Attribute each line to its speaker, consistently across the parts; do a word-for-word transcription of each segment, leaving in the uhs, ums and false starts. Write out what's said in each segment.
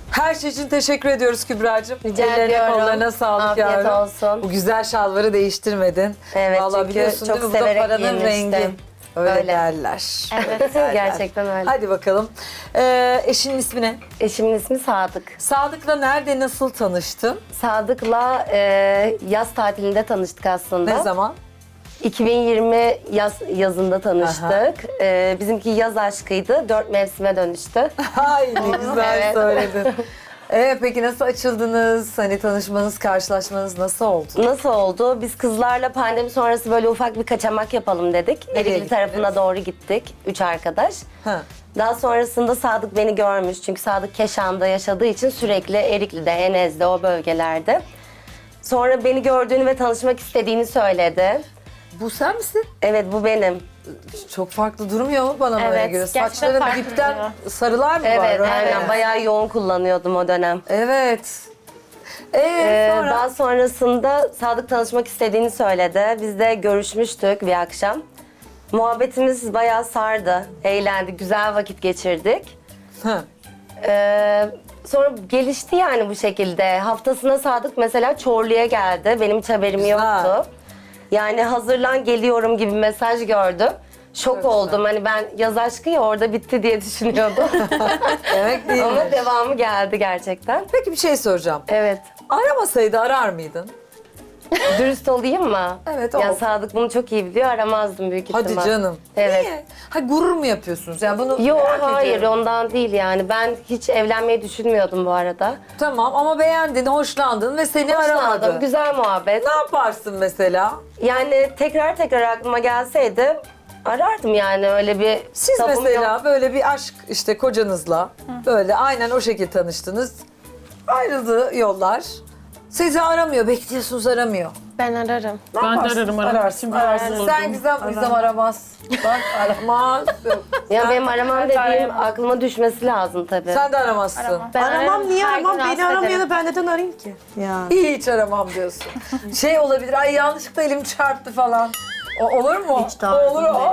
Speaker 1: Her şey için teşekkür ediyoruz Kübra'cığım.
Speaker 2: Rica
Speaker 1: Ellerine
Speaker 2: ediyorum.
Speaker 1: kollarına sağlık
Speaker 2: Afiyet
Speaker 1: yavrum.
Speaker 2: olsun.
Speaker 1: Bu güzel şalvarı değiştirmedin.
Speaker 2: Evet,
Speaker 1: Vallahi
Speaker 2: çünkü
Speaker 1: biliyorsun
Speaker 2: çok
Speaker 1: değil mi? Bu da
Speaker 2: severek
Speaker 1: paranın
Speaker 2: giyinmiştim.
Speaker 1: rengi. Öyle,
Speaker 2: Öyle.
Speaker 1: derler.
Speaker 2: Evet, gerçekten öyle.
Speaker 1: Hadi bakalım. Ee, eşinin ismi ne?
Speaker 2: Eşimin ismi Sadık.
Speaker 1: Sadık'la nerede, nasıl tanıştın?
Speaker 2: Sadık'la e, yaz tatilinde tanıştık aslında.
Speaker 1: Ne zaman?
Speaker 2: iki bin yirmi yaz yazında tanıştık. E, bizimki yaz aşkıydı. Dört mevsime dönüştü.
Speaker 1: Ay ne güzel
Speaker 2: Evet.
Speaker 1: söyledin. Evet, peki nasıl açıldınız? Hani tanışmanız, karşılaşmanız nasıl oldu?
Speaker 2: Nasıl oldu? Biz kızlarla pandemi sonrası böyle ufak bir kaçamak yapalım dedik.
Speaker 1: Nereye
Speaker 2: Erikli
Speaker 1: gittiniz?
Speaker 2: tarafına doğru gittik. Üç arkadaş.
Speaker 1: Ha.
Speaker 2: Daha sonrasında Sadık beni görmüş. Çünkü Sadık Keşan'da yaşadığı için sürekli Erikli'de, Enez'de o bölgelerde. Sonra beni gördüğünü ve tanışmak istediğini söyledi.
Speaker 1: Bu sen misin?
Speaker 2: Evet, bu benim.
Speaker 1: Çok farklı durmuyor mu bana böyle
Speaker 3: Evet,
Speaker 1: göre?
Speaker 3: gerçekten
Speaker 1: Saçların
Speaker 3: farklı
Speaker 1: dipten
Speaker 3: duruyor.
Speaker 1: sarılar mı var?
Speaker 2: Evet,
Speaker 1: Öyle
Speaker 2: aynen.
Speaker 1: mi?
Speaker 2: Bayağı yoğun kullanıyordum o dönem.
Speaker 1: Evet. Ee,
Speaker 2: Ee,
Speaker 1: sonra?
Speaker 2: Daha sonrasında Sadık tanışmak istediğini söyledi. Biz de görüşmüştük bir akşam. Muhabbetimiz bayağı sardı. Eğlendik, güzel vakit geçirdik.
Speaker 1: Ha.
Speaker 2: Ee, sonra gelişti yani bu şekilde. Haftasına Sadık mesela Çorlu'ya geldi. Benim hiç haberim
Speaker 1: Güzel.
Speaker 2: yoktu. Yani hazırlan geliyorum gibi mesaj gördüm. Şok
Speaker 1: Çok
Speaker 2: oldum. Hani ben yaz aşkı ya orada bitti diye düşünüyordum.
Speaker 1: Demek değil
Speaker 2: Ama
Speaker 1: mi?
Speaker 2: devamı geldi gerçekten.
Speaker 1: Peki bir şey soracağım.
Speaker 2: Evet.
Speaker 1: Aramasaydı arar mıydın?
Speaker 2: Dürüst olayım mı?
Speaker 1: Evet,
Speaker 2: Ya
Speaker 1: ol.
Speaker 2: Sadık bunu çok iyi biliyor. Aramazdım büyük ihtimal.
Speaker 1: Hadi canım.
Speaker 2: Evet.
Speaker 1: Niye? Ha, gurur mu yapıyorsunuz? Yani bunu
Speaker 2: Yok
Speaker 1: merak
Speaker 2: hayır
Speaker 1: ediyorum.
Speaker 2: ondan değil yani. Ben hiç evlenmeyi düşünmüyordum bu arada.
Speaker 1: Tamam ama beğendin, hoşlandın ve seni aramadı.
Speaker 2: Hoşlandım, güzel muhabbet.
Speaker 1: Ne yaparsın mesela?
Speaker 2: Yani tekrar tekrar aklıma gelseydi arardım yani öyle bir
Speaker 1: Siz
Speaker 2: tabum
Speaker 1: mesela
Speaker 2: yok.
Speaker 1: böyle bir aşk işte kocanızla böyle aynen o şekilde tanıştınız. Ayrıldı yollar. Sizi aramıyor, bekliyorsunuz aramıyor.
Speaker 3: Ben ararım.
Speaker 1: Ne
Speaker 4: Ben de
Speaker 1: yaparsın?
Speaker 4: ararım, aramak
Speaker 1: Ararsın,
Speaker 4: için
Speaker 1: ararsın.
Speaker 4: razı
Speaker 1: Sen
Speaker 4: olurdum.
Speaker 1: Gizem, Gizem aramaz. Bak aramaz.
Speaker 2: Ya benim aramam
Speaker 3: Ben de
Speaker 2: dediğim
Speaker 3: arayamam.
Speaker 2: aklıma düşmesi lazım tabii.
Speaker 1: Sen de aramazsın.
Speaker 3: Aramam. Ben
Speaker 5: Aramam
Speaker 3: ararım,
Speaker 5: niye
Speaker 3: her
Speaker 5: aramam?
Speaker 3: gün
Speaker 5: Beni
Speaker 3: rahatsız
Speaker 5: aramıyor
Speaker 3: ederim.
Speaker 5: da ben neden arayayım ki? Ya.
Speaker 1: Hiç aramam diyorsun. Şey olabilir, ay yanlışlıkla elim çarptı falan. O, olur mu?
Speaker 5: Hiç tarzım
Speaker 1: Olur o.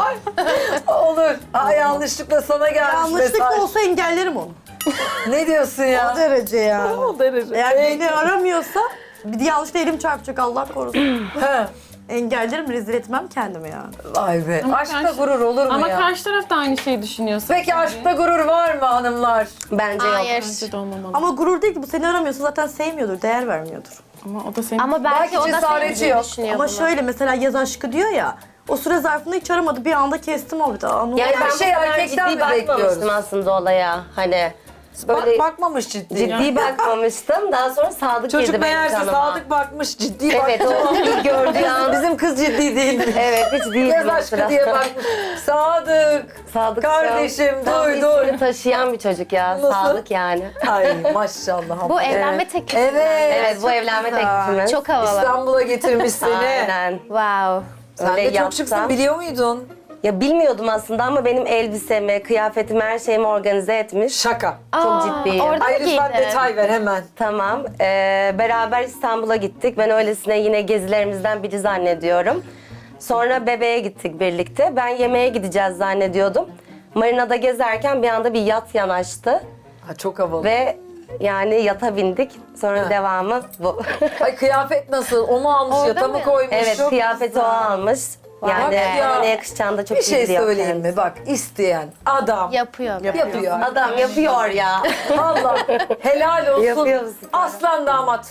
Speaker 1: Olur. Ay yanlışlıkla sana gelmiş
Speaker 5: Yanlışlık
Speaker 1: mesaj.
Speaker 5: olsa engellerim onu.
Speaker 1: Ne diyorsun ya?
Speaker 5: O derece yani.
Speaker 1: O derece.
Speaker 5: Eğer beni aramıyorsa bir de yanlışlıkla elim çarpacak Allah korusun.
Speaker 1: He.
Speaker 5: Engellerim, rezil etmem kendimi yani.
Speaker 1: Vay be.
Speaker 4: Ama
Speaker 1: Aşkta
Speaker 4: karşı-
Speaker 1: gurur olur mu
Speaker 4: Ama
Speaker 1: ya?
Speaker 4: karşı taraf da aynı şeyi düşünüyorsa.
Speaker 1: Peki aşkta gurur var mı hanımlar?
Speaker 2: Bence yok.
Speaker 3: Hayır.
Speaker 4: Bence de olmamalı.
Speaker 5: Ama gurur değil ki, bu seni aramıyorsa zaten sevmiyordur, değer vermiyordur.
Speaker 4: Ama o da senin...
Speaker 3: Ama belki,
Speaker 1: Belki
Speaker 3: o da
Speaker 1: cesareti
Speaker 3: sevdiğini
Speaker 1: yok.
Speaker 3: düşünüyor
Speaker 5: Ama
Speaker 3: bunu.
Speaker 5: şöyle mesela yaz aşkı diyor ya, o süre zarfında hiç aramadı, bir anda kestim o bir de. Anladın
Speaker 2: Yani
Speaker 5: mı?
Speaker 2: ben
Speaker 1: Her
Speaker 2: bu
Speaker 1: şey
Speaker 2: kadar
Speaker 1: erkekten
Speaker 2: ciddi
Speaker 1: mi bekliyoruz?
Speaker 2: bakmamıştım aslında olaya. Hani böyle
Speaker 1: Bak, bakmamış ciddi.
Speaker 2: ciddi bakmamıştım. Daha sonra Sadık
Speaker 1: Çocuk
Speaker 2: girdi benim
Speaker 1: meğerse
Speaker 2: kanıma.
Speaker 1: Sadık bakmış, ciddi
Speaker 2: Evet,
Speaker 1: bakmış.
Speaker 2: o ilk gördüğü an.
Speaker 1: Bizim kız ciddi değil.
Speaker 2: Evet, hiç değildi
Speaker 1: Yaz
Speaker 2: o
Speaker 1: aşkı
Speaker 2: sırada.
Speaker 1: diye bakmış. Sadık.
Speaker 2: Sadık
Speaker 1: Kardeşim,
Speaker 2: tam
Speaker 1: duy, duy.
Speaker 2: ismini taşıyan bir çocuk ya.
Speaker 1: Nasıl?
Speaker 2: Sadık yani.
Speaker 1: Ay maşallah.
Speaker 3: Bu evlenme teklifi.
Speaker 1: Evet.
Speaker 2: Evet, bu
Speaker 1: çok
Speaker 2: evlenme
Speaker 1: güzel.
Speaker 2: teklifimiz.
Speaker 3: Çok havalı.
Speaker 1: İstanbul'a getirmiş seni.
Speaker 2: Aynen.
Speaker 3: Wow.
Speaker 1: Sen
Speaker 2: Öyle
Speaker 1: de çok
Speaker 2: yapsam-
Speaker 1: şıksın, biliyor muydun?
Speaker 2: Ya bilmiyordum aslında ama benim elbisemi, kıyafetimi, her şeyimi organize etmiş.
Speaker 1: Şaka.
Speaker 2: Çok
Speaker 3: Aa,
Speaker 2: ciddiyim.
Speaker 3: Orada mı
Speaker 1: Ay lütfen
Speaker 3: giydin?
Speaker 1: detay ver hemen.
Speaker 2: Tamam. Ee, beraber İstanbul'a gittik. Ben öylesine yine gezilerimizden biri zannediyorum. Sonra bebeğe gittik birlikte. Ben yemeğe gideceğiz zannediyordum. Marina'da gezerken bir anda bir yat yanaştı.
Speaker 1: Ha, çok havalı.
Speaker 2: Ve yani yata bindik. Sonra
Speaker 1: Ha.
Speaker 2: devamı bu.
Speaker 1: Ay kıyafet nasıl? O mu almış,
Speaker 3: Orada
Speaker 1: yata mı
Speaker 3: mı?
Speaker 1: koymuş?
Speaker 2: Evet,
Speaker 1: Çok
Speaker 2: kıyafeti
Speaker 1: güzel.
Speaker 2: o almış.
Speaker 1: Bak
Speaker 2: Yani
Speaker 1: ya.
Speaker 2: ona yakışacağını da çok
Speaker 1: Bir
Speaker 2: iyi
Speaker 1: şey
Speaker 2: biliyor
Speaker 1: söyleyeyim
Speaker 2: kendisi.
Speaker 1: mi? Bak, isteyen adam
Speaker 3: Yapıyor.
Speaker 1: yapıyor.
Speaker 2: Adam yapıyor ya.
Speaker 1: Allah helal olsun.
Speaker 2: Yapıyor musun?
Speaker 1: Aslan damat.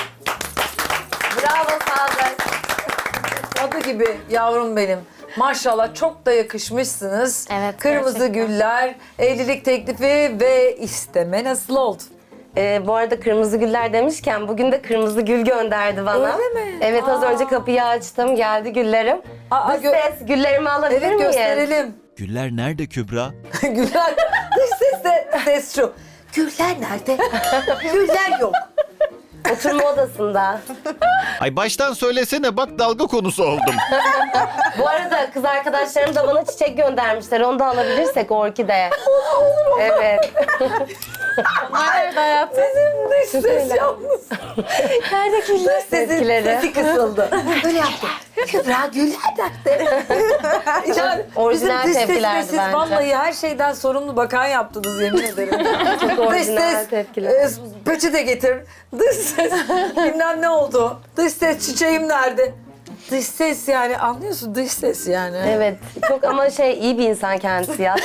Speaker 2: Bravo Sadık.
Speaker 1: Adı gibi yavrum benim. Maşallah çok da yakışmışsınız.
Speaker 3: Evet,
Speaker 1: Kırmızı
Speaker 3: gerçekten.
Speaker 1: güller, evlilik teklifi ve isteme nasıl oldu?
Speaker 2: Ee, bu arada kırmızı güller demişken bugün de kırmızı gül gönderdi bana.
Speaker 1: Öyle mi?
Speaker 2: Evet, az
Speaker 1: Aa.
Speaker 2: önce kapıyı açtım, geldi güllerim.
Speaker 1: Aa,
Speaker 2: Dış
Speaker 1: gö-
Speaker 2: ses, güllerimi alabilir
Speaker 1: Evet,
Speaker 2: miyiz?
Speaker 1: gösterelim.
Speaker 6: Güller nerede Kübra?
Speaker 1: Güller. Dış ses de ses şu. Güller nerede? Güller yok.
Speaker 2: Oturma odasında.
Speaker 6: Ay baştan söylesene bak dalga konusu oldum.
Speaker 2: Bu arada kız arkadaşlarım da bana çiçek göndermişler. Onu da alabilirsek orkide. Evet.
Speaker 4: Onlar nerede hayatım?
Speaker 1: Dış ses yalnız.
Speaker 2: Nerede güller
Speaker 1: Sesin
Speaker 2: tepkileri?
Speaker 1: sesi kısıldı. Böyle yaptı. Kübra güller taktı. Yani
Speaker 2: Orijinal
Speaker 1: bizim dış
Speaker 2: tepkilerdi
Speaker 1: sesle siz
Speaker 2: bence.
Speaker 1: vallahi her şeyden sorumlu bakan yaptınız yemin ederim.
Speaker 2: Çok
Speaker 1: Dış
Speaker 2: orijinal
Speaker 1: ses,
Speaker 2: tepkiler.
Speaker 1: e, peçete getir. Dış ses, bilmem ne oldu. Dış ses, çiçeğim nerede? Dış ses yani anlıyorsun dış ses yani.
Speaker 2: Evet, çok ama şey iyi bir insan kendisi ya.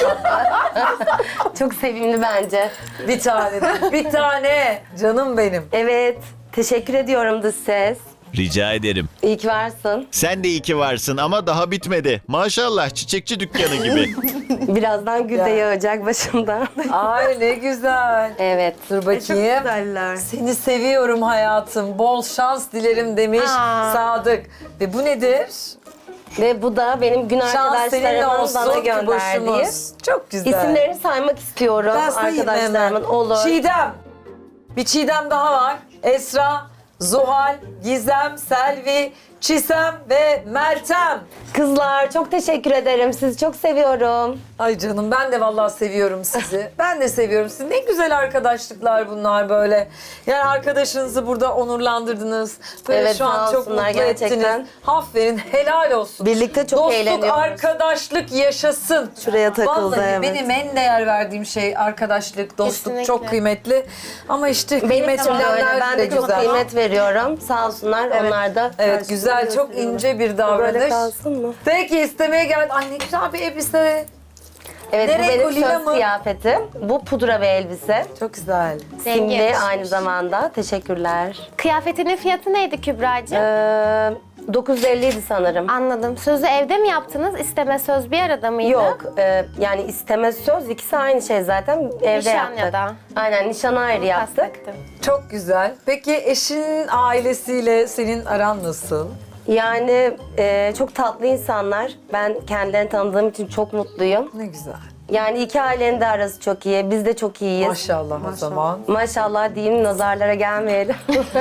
Speaker 2: Çok sevimli bence.
Speaker 1: Bir tane, bir tane. Canım benim.
Speaker 2: Evet, teşekkür ediyorum dış ses.
Speaker 6: Rica ederim.
Speaker 2: İyi ki varsın.
Speaker 6: Sen de iyi ki varsın ama daha bitmedi. Maşallah çiçekçi dükkanı gibi.
Speaker 2: Birazdan gül de
Speaker 1: Ya.
Speaker 2: yağacak başımda.
Speaker 1: Ay ne güzel.
Speaker 2: Evet.
Speaker 1: Dur
Speaker 5: Çok
Speaker 1: bakayım.
Speaker 5: güzeller.
Speaker 1: Seni seviyorum hayatım. Bol şans dilerim demiş
Speaker 4: Aa.
Speaker 1: Sadık. Ve bu nedir?
Speaker 2: Ve bu da benim gün
Speaker 1: Şans seninle
Speaker 2: arkadaşlarımın
Speaker 1: olsun
Speaker 2: bana
Speaker 1: ki
Speaker 2: gönderdiği.
Speaker 1: boşumuz. Çok güzel.
Speaker 2: İsimlerini saymak istiyorum
Speaker 1: Ben sayayım
Speaker 2: arkadaşlarımın.
Speaker 1: hemen.
Speaker 2: Olur.
Speaker 1: Çiğdem. Bir Çiğdem daha var. Esra, Zuhal, Gizem, Selvi, Çisem ve Meltem.
Speaker 2: Kızlar çok teşekkür ederim. Sizi çok seviyorum.
Speaker 1: Ay canım ben de vallahi seviyorum sizi. Ben de seviyorum sizi. Ne güzel arkadaşlıklar bunlar böyle. Yani arkadaşınızı burada onurlandırdınız. Böyle
Speaker 2: Evet,
Speaker 1: şu an
Speaker 2: sağ
Speaker 1: çok
Speaker 2: olsunlar
Speaker 1: mutlu
Speaker 2: gerçekten.
Speaker 1: ettiniz. Aferin, helal olsun.
Speaker 2: Birlikte çok
Speaker 1: Dostluk,
Speaker 2: eğleniyoruz.
Speaker 1: arkadaşlık yaşasın.
Speaker 2: Şuraya takıldı,
Speaker 1: Vallahi
Speaker 2: evet.
Speaker 1: benim en değer verdiğim şey arkadaşlık, dostluk
Speaker 4: Kesinlikle.
Speaker 1: çok kıymetli. Ama işte
Speaker 2: Benim
Speaker 1: kıymet
Speaker 2: için de öyle.
Speaker 1: bilenler
Speaker 2: Ben
Speaker 1: de
Speaker 2: de çok
Speaker 1: güzel.
Speaker 2: kıymet veriyorum. Sağ olsunlar. Onlar da
Speaker 1: Evet
Speaker 2: karşılığını
Speaker 1: güzel, çok
Speaker 2: gösteriyorlar.
Speaker 1: ince bir
Speaker 2: Böyle
Speaker 1: davranış.
Speaker 2: kalsın mı?
Speaker 1: Peki istemeye geldi. Ay ne güzel bir elbise.
Speaker 2: Evet,
Speaker 1: Nereye
Speaker 2: bu benim
Speaker 1: kolye
Speaker 2: söz
Speaker 1: mi?
Speaker 2: kıyafetim. Bu pudra ve elbise.
Speaker 1: Çok güzel.
Speaker 2: Simli
Speaker 4: yakışmış.
Speaker 2: aynı zamanda. Teşekkürler.
Speaker 3: Kıyafetinin fiyatı neydi Kübra'cığım?
Speaker 2: Ee, dokuz yüz elli idi sanırım.
Speaker 3: Anladım. Sözü evde mi yaptınız? İsteme söz bir arada mıydı?
Speaker 2: Yok, e, yani isteme söz ikisi aynı şey zaten. Evde
Speaker 3: Nişan
Speaker 2: yaptık.
Speaker 3: ya da.
Speaker 2: Aynen, nişan ayrı yaptık.
Speaker 3: Kastettim.
Speaker 1: Çok güzel. Peki eşinin ailesiyle senin aran nasıl?
Speaker 2: Yani e, çok tatlı insanlar. Ben kendilerini tanıdığım için çok mutluyum.
Speaker 1: Ne güzel.
Speaker 2: Yani iki ailenin de arası çok iyi. Biz de çok iyiyiz.
Speaker 1: Maşallah, o zaman.
Speaker 2: Maşallah diyeyim, nazarlara gelmeyelim.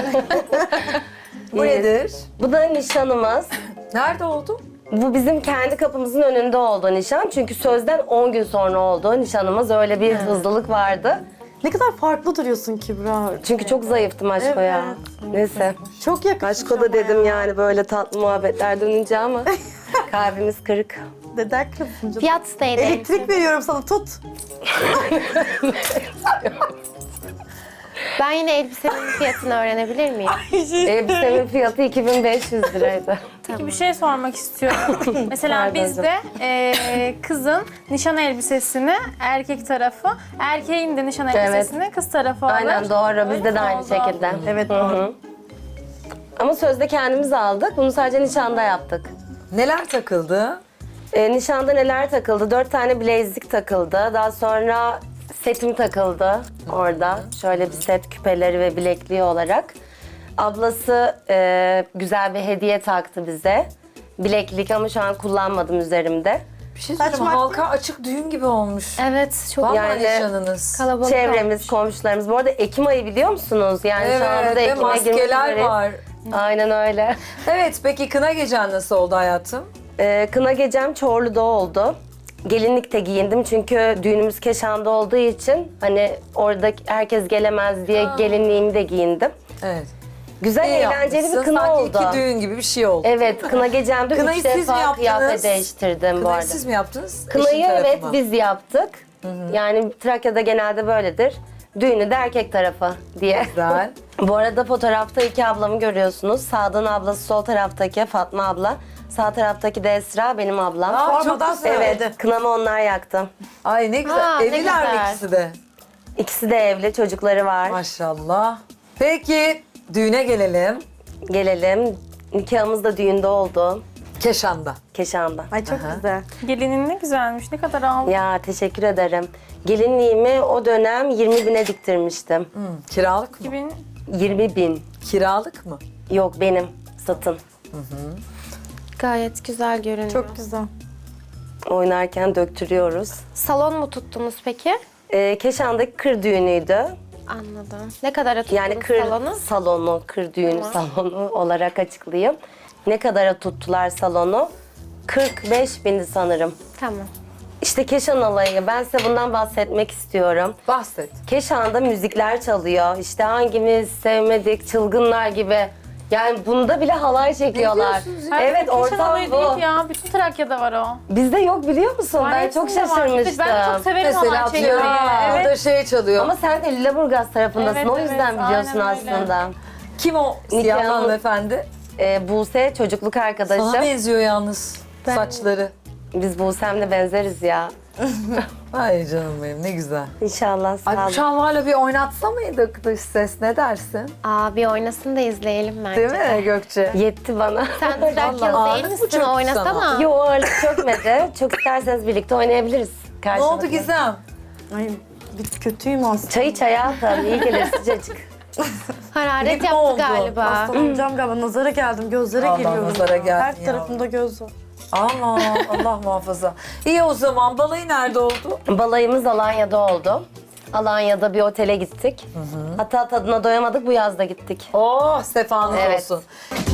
Speaker 1: Bu nedir?
Speaker 2: Bu da nişanımız.
Speaker 1: Nerede oldu?
Speaker 2: Bu bizim kendi kapımızın önünde oldu nişan. Çünkü sözden on gün sonra oldu nişanımız. Öyle bir hızlılık vardı.
Speaker 5: Ne kadar farklı duruyorsun Kübra.
Speaker 2: Çünkü çok zayıftım Aşko ya. Neyse.
Speaker 5: Çok yakışmış
Speaker 2: Aşko da
Speaker 5: ama
Speaker 2: dedim
Speaker 5: ya.
Speaker 2: yani böyle tatlı muhabbetler dönünce ama kalbimiz kırık.
Speaker 5: Deden kızım.
Speaker 3: Fiyat neydi?
Speaker 5: Elektrik veriyorum sana, tut.
Speaker 3: Ben yine elbisenin fiyatını öğrenebilir miyim?
Speaker 2: Elbisemin fiyatı iki bin beş yüz liraydı.
Speaker 4: Peki bir şey sormak istiyorum. Mesela
Speaker 2: Pardon
Speaker 4: bizde e, kızın nişan elbisesini erkek tarafı, erkeğin de nişan elbisesini kız tarafı alır.
Speaker 2: Aynen doğru. Bizde de aynı
Speaker 4: oldu.
Speaker 2: şekilde.
Speaker 5: Evet,
Speaker 2: Hı hı. Ama sözde kendimiz aldık. Bunu sadece nişanda yaptık.
Speaker 1: Neler takıldı?
Speaker 2: E, nişanda neler takıldı? Dört tane bilezik takıldı. Daha sonra setim takıldı orada. Şöyle bir set, küpeleri ve bilekliği olarak. Ablası e, güzel bir hediye taktı bize. Bileklik ama şu an kullanmadım üzerimde.
Speaker 1: Bir şey söyleyeyim,
Speaker 5: Saçma.
Speaker 1: halka açık düğün gibi olmuş.
Speaker 3: Evet, çok
Speaker 1: Vallahi
Speaker 2: Yani-
Speaker 1: nişanınız.
Speaker 3: kalabalık
Speaker 2: Çevremiz,
Speaker 3: olmuş.
Speaker 2: komşularımız. Bu arada Ekim ayı biliyor musunuz? Yani şu anda
Speaker 1: Evet
Speaker 2: da
Speaker 1: ve
Speaker 2: Ekim'e girmek
Speaker 1: maskeler
Speaker 2: üzereyiz.
Speaker 1: var.
Speaker 2: Aynen öyle.
Speaker 1: Evet peki kına gecen nasıl oldu hayatım?
Speaker 2: Ee, kına gecem Çorlu'da oldu. Gelinlikte giyindim çünkü düğünümüz Keşan'da olduğu için hani orada herkes gelemez diye gelinliğimi de giyindim.
Speaker 1: Evet.
Speaker 2: Güzel,
Speaker 1: İyi
Speaker 2: eğlenceli
Speaker 1: yapmışsın.
Speaker 2: bir kına
Speaker 1: Sanki
Speaker 2: oldu.
Speaker 1: iki düğün gibi bir şey oldu.
Speaker 2: Evet, kına gecemde
Speaker 1: Kınayı
Speaker 2: üç
Speaker 1: siz mi
Speaker 2: defa
Speaker 1: yaptınız?
Speaker 2: kıyafet değiştirdim bu
Speaker 1: Kınayı
Speaker 2: arada.
Speaker 1: siz mi yaptınız?
Speaker 2: Kınayı
Speaker 1: Eşin tarafı
Speaker 2: evet
Speaker 1: mı?
Speaker 2: biz yaptık. Yani Trakya'da genelde böyledir. Düğünü de erkek tarafı diye.
Speaker 1: Güzel.
Speaker 2: Bu arada fotoğrafta iki ablamı görüyorsunuz. Sağdan ablası, sol taraftaki Fatma abla. Sağ taraftaki de Esra, benim ablam.
Speaker 1: Aa, çok
Speaker 5: Sormadan
Speaker 1: güzel.
Speaker 5: söyledi.
Speaker 2: Evet, kınamı onlar yaktı.
Speaker 1: Ay ne güzel.
Speaker 3: Aa, ne
Speaker 1: Evliler mi
Speaker 3: güzel.
Speaker 1: ikisi de?
Speaker 2: İkisi de evli, çocukları var.
Speaker 1: Maşallah. Peki düğüne gelelim.
Speaker 2: Gelelim. Nikahımız da düğünde oldu.
Speaker 1: Keşan'da.
Speaker 2: Keşan'da.
Speaker 5: Ay çok güzel.
Speaker 4: Gelinin ne güzelmiş, ne kadar aldı.
Speaker 2: Ya teşekkür ederim. Gelinliğimi o dönem yirmi bine diktirmiştim.
Speaker 1: Hı, kiralık mı?
Speaker 4: iki bin
Speaker 2: yirmi bin.
Speaker 1: Kiralık mı?
Speaker 2: Yok benim, satın.
Speaker 3: Gayet güzel görünüyor.
Speaker 5: Çok güzel.
Speaker 2: Oynarken döktürüyoruz.
Speaker 3: Salon mu tuttunuz peki?
Speaker 2: Ee, Keşan'daki kır düğünüydü.
Speaker 3: Anladım. Ne kadara tuttunuz
Speaker 2: Yani kır
Speaker 3: salonu?
Speaker 2: salonu, kır düğünü salonu olarak açıklayayım. Ne kadara tuttular salonu? kırk beş bindi sanırım.
Speaker 3: Tamam.
Speaker 2: İşte Keşan alayı. Ben size bundan bahsetmek istiyorum.
Speaker 1: Bahset.
Speaker 2: Keşan'da müzikler çalıyor. İşte hangimiz sevmedik, çılgınlar gibi. Yani bunda bile halay çekiyorlar.
Speaker 1: diyorsunuz ya?
Speaker 2: Evet,
Speaker 4: Keşan
Speaker 2: ortam
Speaker 4: olayı
Speaker 2: bu.
Speaker 4: değil ya. Bütün Trakya'da var o.
Speaker 2: Bizde yok biliyor musun? Ben
Speaker 4: Gayet
Speaker 2: çok
Speaker 4: de var.
Speaker 2: şaşırmıştım.
Speaker 4: Ben çok severim
Speaker 1: Mesela
Speaker 4: halay çekmeyi.
Speaker 1: atıyorum
Speaker 4: Evet.
Speaker 1: orada şey çalıyor.
Speaker 2: Ama sen de Lüleburgaz tarafındasın.
Speaker 4: Evet,
Speaker 2: o yüzden
Speaker 4: evet,
Speaker 2: biliyorsun
Speaker 4: aynen öyle.
Speaker 2: aslında.
Speaker 1: Kim o siyah
Speaker 2: Nikahımız-
Speaker 1: hanımefendi?
Speaker 2: Ee, Buse çocukluk
Speaker 1: Sana
Speaker 2: arkadaşım.
Speaker 1: benziyor yalnız saçları.
Speaker 2: Biz Buse'mle benzeriz ya.
Speaker 1: Ay canım benim ne güzel.
Speaker 2: İnşallah sağ
Speaker 1: Ay bu
Speaker 2: olun.
Speaker 1: şalvarla bir oynatsa mıydık dış ses ne dersin?
Speaker 3: Aa, bir oynasın da izleyelim bence.
Speaker 1: Değil mi Gökçe?
Speaker 2: Yetti bana.
Speaker 3: Sen
Speaker 1: Vallahi
Speaker 3: Trakyalı
Speaker 1: ağırlık
Speaker 3: değil
Speaker 1: mı
Speaker 3: misin?
Speaker 1: çöktü
Speaker 3: Oynasana.
Speaker 1: sana?
Speaker 2: Yo, ağırlık çökmedi. Çok isterseniz birlikte oynayabiliriz.
Speaker 1: Ne
Speaker 2: Karşılıklı.
Speaker 1: oldu Gizem?
Speaker 5: Ay bir kötüyüm aslında.
Speaker 2: Çayı çaya atalım. İyi gelir sıcacık.
Speaker 3: Hararet
Speaker 1: Grip mi
Speaker 3: yaptı
Speaker 1: oldu?
Speaker 3: galiba.
Speaker 5: Hastalanacağım galiba. Nazara geldim. Gözlere
Speaker 1: Allah
Speaker 5: geliyorum.
Speaker 1: nazara
Speaker 5: ya.
Speaker 1: geldin
Speaker 5: Her
Speaker 1: ya.
Speaker 5: tarafımda göz var.
Speaker 1: Ama Allah muhafaza. İyi o zaman balayı nerede oldu?
Speaker 2: Balayımız Alanya'da oldu. Alanya'da bir otele gittik. Hatta tadına doyamadık, bu yazda gittik.
Speaker 1: Oh sefanız
Speaker 2: Evet.
Speaker 1: olsun.